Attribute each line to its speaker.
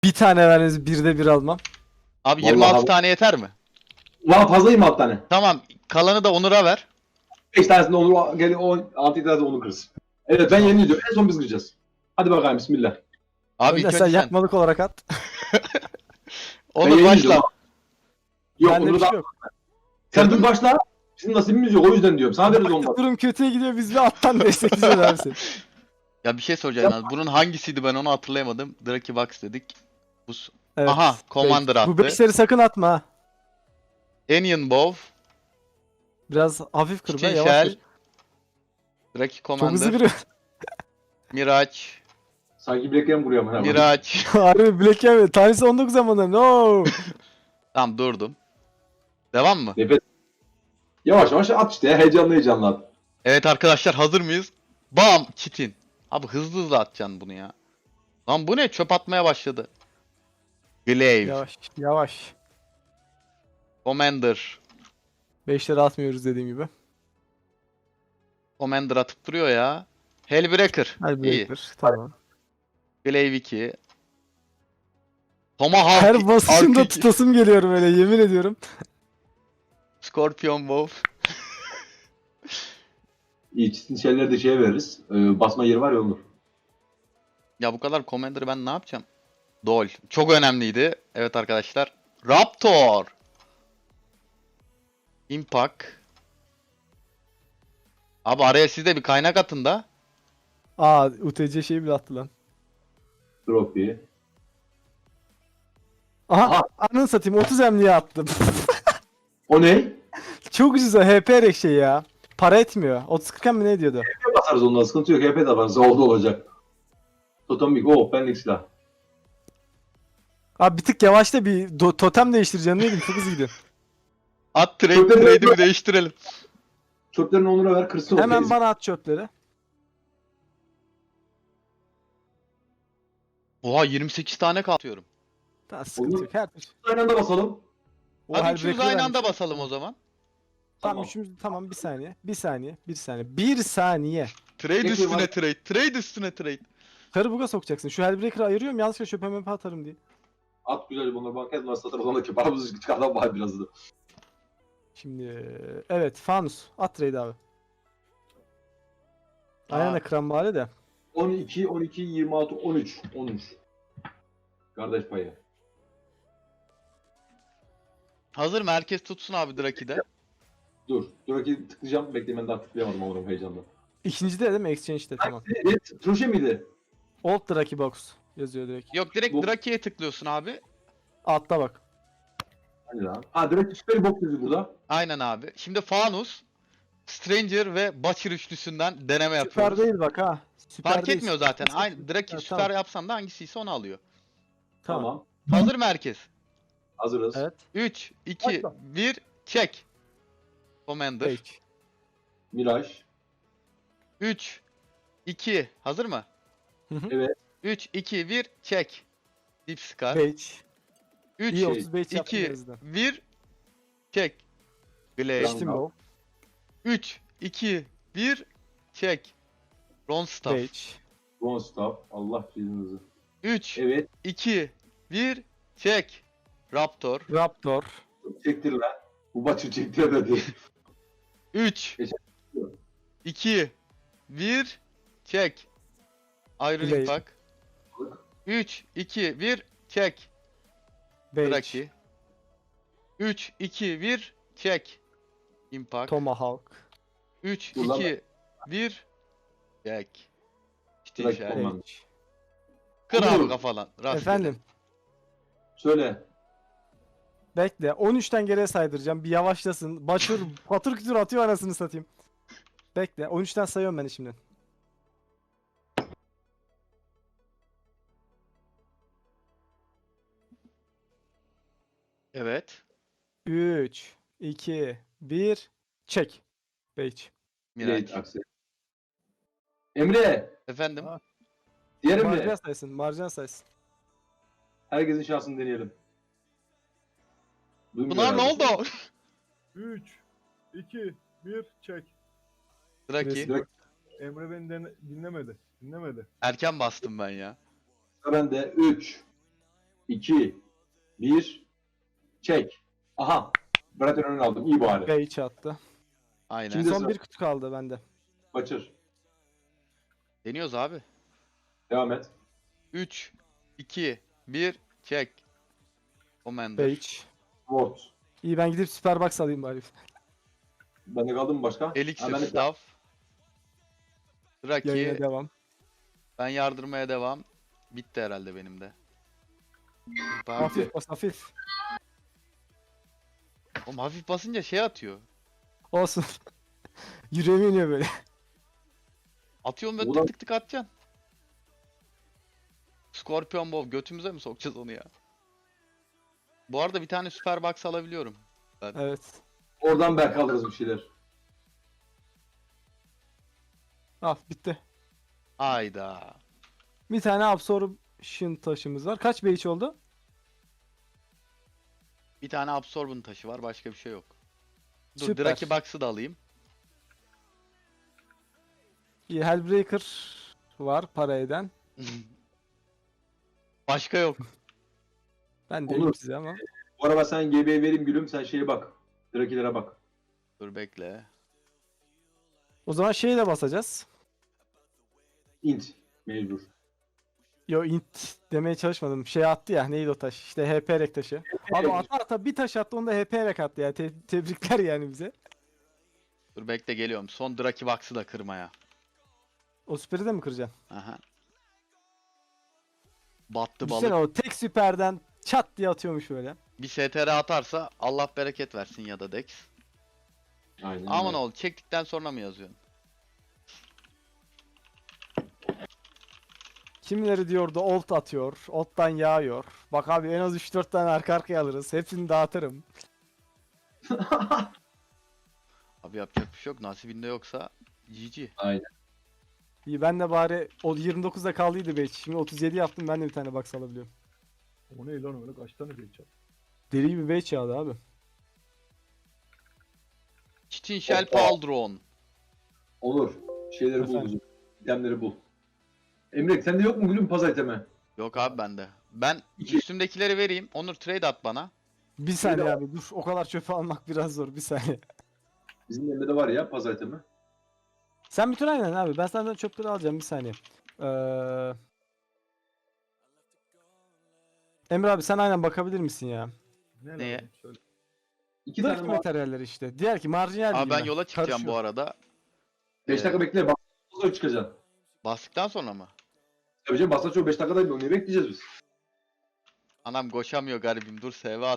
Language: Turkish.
Speaker 1: Bir tane vermeniz birde bir almam.
Speaker 2: Abi
Speaker 3: Vallahi
Speaker 2: 26
Speaker 3: abi.
Speaker 2: tane yeter mi?
Speaker 3: Valla fazlayım 6 tane.
Speaker 2: Tamam. Kalanı da Onur'a ver.
Speaker 3: 5 tanesinde Onur gel 6 tane de Onur kırsın. Evet ben
Speaker 2: Tamam.
Speaker 3: yeni diyorum. En son biz kıracağız. Hadi bakalım bismillah.
Speaker 2: Abi
Speaker 1: Önden
Speaker 2: ilk
Speaker 1: sen
Speaker 2: önce sen.
Speaker 1: yakmalık olarak at.
Speaker 2: Onur
Speaker 3: yeni
Speaker 2: başla.
Speaker 3: diyorum. Yok
Speaker 1: Bende bir
Speaker 3: Onur'u
Speaker 1: şey
Speaker 3: da
Speaker 1: yok.
Speaker 3: sen
Speaker 2: Kırdın
Speaker 3: dur
Speaker 2: mı?
Speaker 3: başla. Bizim nasibimiz yok o yüzden diyorum. Sana veririz olmaz.
Speaker 1: Durum kötüye gidiyor, biz bir alttan destekleyeceğiz abi seni.
Speaker 2: Ya bir şey soracağım abi. Bunun hangisiydi ben onu hatırlayamadım. Draki Box dedik.
Speaker 1: Evet.
Speaker 2: Aha, Commander
Speaker 1: beş. Bu
Speaker 2: attı.
Speaker 1: 5'leri sakın atma ha.
Speaker 2: Onion Bow.
Speaker 1: Biraz hafif kır be,
Speaker 2: Chitin
Speaker 1: yavaş
Speaker 2: Shell.
Speaker 1: kır.
Speaker 2: Draki
Speaker 1: Çok hızlı
Speaker 2: Commander.
Speaker 1: kırıyor.
Speaker 2: Miraç.
Speaker 3: Sanki bileklerim vuruyor ama.
Speaker 2: Miraç.
Speaker 1: Harbi Black Hammer. Tanesi 19 zamanında. No.
Speaker 2: Tamam durdum. Devam mı?
Speaker 3: Nefes. Yavaş yavaş at işte ya. Heyecanlı heyecanlı at.
Speaker 2: Evet arkadaşlar hazır mıyız? Bam! Chitin. Abi hızlı hızlı atacaksın bunu ya. Lan bu ne? Çöp atmaya başladı. Glaive.
Speaker 1: Yavaş. Yavaş.
Speaker 2: Commander.
Speaker 1: 5'leri atmıyoruz dediğim gibi.
Speaker 2: Commander atıp duruyor ya. Hellbreaker.
Speaker 1: Hadi
Speaker 2: İyi.
Speaker 1: Breaker. Tamam.
Speaker 2: Glaive 2. Tomahawk.
Speaker 1: Her basışında
Speaker 2: Arc 2.
Speaker 1: tutasım geliyor böyle, yemin ediyorum.
Speaker 2: Scorpion Wolf.
Speaker 3: İyi çizsin şeyleri de şeye veririz. Basma yeri var ya Onur.
Speaker 2: Ya bu kadar Commander'ı ben ne yapacağım? Dol. Çok önemliydi. Evet arkadaşlar. Raptor. Impact. Abi araya siz de bir kaynak atın da.
Speaker 1: Aa, UTC şeyi bile attı lan.
Speaker 3: Trophy.
Speaker 1: Aha,
Speaker 3: Aha.
Speaker 1: anını satayım, 30 emniye attım.
Speaker 3: O ne?
Speaker 1: Çok ucuz o HP rek şey ya. Para etmiyor. 30-40 mi ne diyordu?
Speaker 3: HP basarız ondan sıkıntı yok. HP de yaparız. Oldu olacak. Totemik. Oh benlik silah.
Speaker 1: Abi bir tık yavaşta bir totem değiştireceğim neydim, çok hızlı gidiyor.
Speaker 2: At
Speaker 3: Çok da-
Speaker 2: trade'imi değiştirelim.
Speaker 3: Çöplerini Onur'a ver kırsın o.
Speaker 1: Hemen
Speaker 3: teyze.
Speaker 1: bana at çöpleri.
Speaker 2: Oha 28 tane katıyorum.
Speaker 1: Daha sıkıntı
Speaker 3: Olur.
Speaker 1: yok. Her türlü.
Speaker 3: Aynı anda basalım.
Speaker 1: O
Speaker 2: Hadi
Speaker 1: her
Speaker 2: üçümüz
Speaker 1: breaker'ı
Speaker 2: aynı anda
Speaker 1: vermiş.
Speaker 2: basalım o zaman.
Speaker 1: Tamam,
Speaker 3: Tamam.
Speaker 1: üçümüz tamam, bir saniye. Bir saniye. Bir saniye. Bir saniye.
Speaker 2: Trade
Speaker 3: Bekle,
Speaker 2: üstüne
Speaker 3: var.
Speaker 2: trade. Trade üstüne trade.
Speaker 1: Karı buga sokacaksın. Şu Hellbreaker'ı ayırıyorum, yanlışlıkla çöpe möpe atarım diye.
Speaker 3: At güzel bunları banket var satarız ona ki paramızı çıkardan var biraz da.
Speaker 1: Şimdi evet, Fanus. At trade abi. Aynen
Speaker 2: Aa,
Speaker 1: de kıran bari de.
Speaker 3: 12, 12, 26, 13. 13. Kardeş payı.
Speaker 2: hazır mı? Herkes tutsun abi Draki'de.
Speaker 3: Dur. Dur ki tıklayacağım. Bekle ben daha tıklayamadım oğlum heyecandan.
Speaker 1: İkinci de değil mi? Exchange'de tamam.
Speaker 3: Evet. Troşe miydi?
Speaker 1: Old Draki Box yazıyor direkt.
Speaker 2: Yok direkt
Speaker 3: Bu-
Speaker 2: Draki'ye tıklıyorsun abi.
Speaker 1: Altta bak.
Speaker 3: Hani lan. Ha direkt süper box yazıyor burada.
Speaker 2: Aynen abi. Şimdi Fanus, Stranger ve Butcher üçlüsünden deneme
Speaker 1: Süper
Speaker 2: yapıyoruz.
Speaker 1: değil bak ha. Süper
Speaker 2: Fark
Speaker 1: değil.
Speaker 2: etmiyor zaten. Aynı Draki
Speaker 1: Ha,
Speaker 2: süper
Speaker 1: tamam.
Speaker 2: yapsan da hangisiyse onu alıyor.
Speaker 1: Tamam.
Speaker 3: Tamam.
Speaker 2: Hazır mı herkes?
Speaker 3: Hazırız.
Speaker 1: Evet.
Speaker 2: 3, 2,
Speaker 1: Başla.
Speaker 2: 1, çek. Commander.
Speaker 1: Page.
Speaker 3: Miraj.
Speaker 2: 3, 2, hazır mı?
Speaker 3: Evet.
Speaker 2: 3, 2, 1, çek. Deep Scar.
Speaker 1: Page.
Speaker 2: 3,
Speaker 1: İyi 35 yaptın
Speaker 2: 2,
Speaker 1: en azından.
Speaker 2: 1, çek. Glaive.
Speaker 1: Geçtim bu.
Speaker 2: 3, 2, 1, çek. Ronstaff.
Speaker 1: Page.
Speaker 3: One stop. Allah cezanızı.
Speaker 2: 3,
Speaker 3: Evet.
Speaker 2: 2, 1, çek. Raptor.
Speaker 1: Raptor.
Speaker 3: Çektir lan. Bu maçı çektir dedi.
Speaker 2: 3, 2, 1, çek. Iron
Speaker 1: Glaive.
Speaker 2: Impact. 3, 2, 1, çek.
Speaker 1: Page.
Speaker 2: Draki. 3, 2, 1, çek. Impact.
Speaker 1: Tomahawk.
Speaker 2: 3,
Speaker 3: Dur lan
Speaker 2: 2, 1, çek. İşte
Speaker 3: Draki
Speaker 2: işaret.
Speaker 3: Command.
Speaker 1: Page.
Speaker 2: Kır abi
Speaker 3: Olur.
Speaker 2: kafalan. Rastgele.
Speaker 1: Efendim.
Speaker 3: Söyle.
Speaker 1: Bekle. 13'ten geriye saydıracağım. Bir yavaşlasın. Başır patır kütür atıyor, anasını satayım. Bekle. 13'ten sayıyorum ben şimdi.
Speaker 2: Evet.
Speaker 1: 3, 2, 1. Çek. Page.
Speaker 2: Miraç.
Speaker 3: Blade aksi. Emre.
Speaker 2: Efendim.
Speaker 1: Aa.
Speaker 3: Diğer
Speaker 1: Marjan
Speaker 3: Emre.
Speaker 1: saysın. Marjan saysın.
Speaker 3: Herkesin şansını deneyelim. Duymuyor
Speaker 2: Bunlar ne
Speaker 3: herhalde.
Speaker 2: oldu?
Speaker 4: 3, 2, 1, çek.
Speaker 2: Draki.
Speaker 3: Draki.
Speaker 4: Emre beni dinlemedi. Dinlemedi.
Speaker 2: Erken bastım ben ya.
Speaker 3: Ben de 3, 2, 1. Çek. Aha. Bırakın önüne aldım. İyi bari.
Speaker 1: Beyiç attı.
Speaker 2: Aynen.
Speaker 3: Şimdi-
Speaker 1: Son
Speaker 3: sıra.
Speaker 1: bir kutu kaldı bende.
Speaker 3: Kaçır.
Speaker 2: Deniyoruz abi.
Speaker 3: Devam et.
Speaker 2: 3, 2, 1, çek. Commander.
Speaker 1: Beyiç.
Speaker 3: Ward.
Speaker 1: İyi ben gidip süper box alayım bari.
Speaker 3: Bende kaldı mı başka?
Speaker 2: Elixir,
Speaker 3: Ha, bende-
Speaker 2: staff.
Speaker 1: Yayına
Speaker 2: Draki.
Speaker 1: devam.
Speaker 2: Ben yardırmaya devam. Bitti herhalde benim de. Ben-
Speaker 1: Hafif bas hafif.
Speaker 2: Oğlum hafif basınca şey atıyor.
Speaker 1: Olsun. Yüreğime iniyor böyle.
Speaker 2: Atıyorum böyle
Speaker 3: Ulan-
Speaker 2: tık tık tık atacaksın. Scorpion Bow götümüze mi sokacağız onu ya? Bu arada bir tane süper box alabiliyorum.
Speaker 1: Evet.
Speaker 3: Oradan belki alırız bir şeyler.
Speaker 1: Al bitti.
Speaker 2: Hayda.
Speaker 1: Bir tane absorption taşımız var. Kaç beyiç oldu?
Speaker 2: Bir tane absorbent taşı var, başka bir şey yok. Dur,
Speaker 1: Süper.
Speaker 2: Draki Box'ı da alayım.
Speaker 1: İyi Hellbreaker var para eden.
Speaker 2: Başka yok.
Speaker 1: Ben de
Speaker 3: Olur.
Speaker 1: size ama.
Speaker 3: Bu araba sen GB'ye vereyim gülüm. Sen şeye bak. Drakilere bak.
Speaker 2: Dur bekle.
Speaker 1: O zaman şeyi de basacağız.
Speaker 3: Int. Mecbur.
Speaker 1: Yo int demeye çalışmadım. Şey attı ya neydi o taş? İşte HP rek taşı. Abi ata bir taş attı onu da HP rek attı ya. Tebrikler yani bize.
Speaker 2: Dur bekle, geliyorum. Son Draki Box'ı da kırmaya.
Speaker 1: O süperi de mi kıracaksın?
Speaker 2: Aha. Battı
Speaker 1: Düşünsene
Speaker 2: balık.
Speaker 1: o tek süperden çat diye atıyormuş böyle.
Speaker 2: Bir STR atarsa Allah bereket versin ya da Dex.
Speaker 3: Aynen.
Speaker 2: Aman
Speaker 3: öyle.
Speaker 2: ol, çektikten sonra mı yazıyorsun?
Speaker 1: Kimileri diyordu olt atıyor. Olt'tan yağıyor. Bak abi en az 3-4 tane arka arkaya alırız. Hepsini dağıtırım.
Speaker 2: Abi yapacak bir şey yok. Nasibinde yoksa GG.
Speaker 3: Aynen.
Speaker 1: İyi ben de bari o 29'da kaldıydı belki. Şimdi 37 yaptım ben de bir tane box alabiliyorum.
Speaker 4: O ne lan öyle kaç tane beyiç attı?
Speaker 1: Deli gibi beach yağdı abi.
Speaker 2: Chitin Shell
Speaker 3: Hoppa.
Speaker 2: Pauldron.
Speaker 3: Olur. Şeyleri bul
Speaker 1: Efendim?
Speaker 3: bizim. İtemleri bul. Emre sende yok mu gülüm paz itemi?
Speaker 2: Yok abi bende. Ben
Speaker 3: İki.
Speaker 2: üstümdekileri vereyim. Onur trade at bana.
Speaker 1: Bir saniye abi dur. O kadar çöpe almak biraz zor. Bir saniye.
Speaker 3: Bizim Emre'de var ya paz itemi.
Speaker 1: Sen bütün aynen abi. Ben senden çöpleri alacağım. Bir saniye. Emre abi sen aynen bakabilir misin ya?
Speaker 4: Ne
Speaker 2: Neye?
Speaker 4: lazım? Söyle.
Speaker 3: 2
Speaker 1: Dört
Speaker 3: tane
Speaker 1: materyalleri işte. Diğer ki marjinal
Speaker 2: Abi ben
Speaker 1: bilgiler.
Speaker 2: yola çıkacağım
Speaker 1: Karışıyor.
Speaker 2: bu arada.
Speaker 3: 5 dakika bekle. Bak sonra çıkacaksın.
Speaker 2: Bastıktan sonra mı?
Speaker 3: Tabii canım basla çok 5 dakikada onu bekleyeceğiz biz.
Speaker 2: Anam koşamıyor garibim. Dur SV